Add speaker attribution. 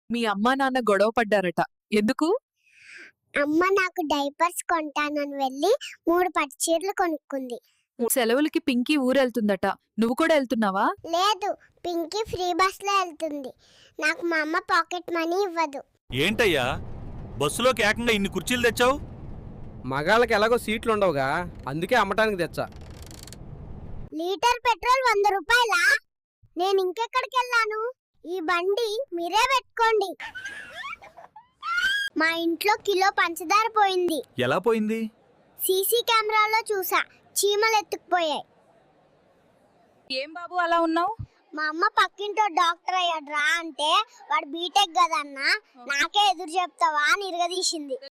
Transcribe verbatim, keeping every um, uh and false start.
Speaker 1: మీ అమ్మా నాన్న గొడవ పడ్డారట. ఎందుకు?
Speaker 2: అమ్మ నాకు డైపర్స్ కొంటానని వెళ్ళి మూడు పట్టు చీరలు కొనుక్కుంది.
Speaker 1: సెలవులకి పింకీ ఊరెళ్తుందట. నువ్వు కూడా వెళ్తున్నావా?
Speaker 2: లేదు, పింకీ ఫ్రీ బస్ లో వెళ్తుంది. నాకు మా అమ్మ పాకెట్ మనీ ఇవ్వదు.
Speaker 3: ఏంటయ్యా బస్సులోకి ఏకంగా ఇన్ని కుర్చీలు తెచ్చావు?
Speaker 4: మగాళ్ళకి ఎలాగో సీట్లు ఉండవుగా, అందుకే అమ్మటానికి తెచ్చా.
Speaker 2: లీటర్ పెట్రోల్ వంద రూపాయలా? నేను ఇంకెక్కడికి వెళ్ళాను? ఈ బండి మీరే పెట్టుకోండి. మా ఇంట్లో కిలో పంచదార పోయింది.
Speaker 3: ఎలా పోయింది?
Speaker 2: సీసీ కెమెరాలో చూసా, చీమలు ఎత్తుకుపోయాయి.
Speaker 1: ఏం బాబు అలా ఉన్నావు?
Speaker 2: మా అమ్మ పక్కింటో డాక్టర్ అయ్యాడు రా అంటే వాడు బీటెక్ కదన్నా, నాకే ఎదురు చెప్తావా అని ఇరగదీసింది.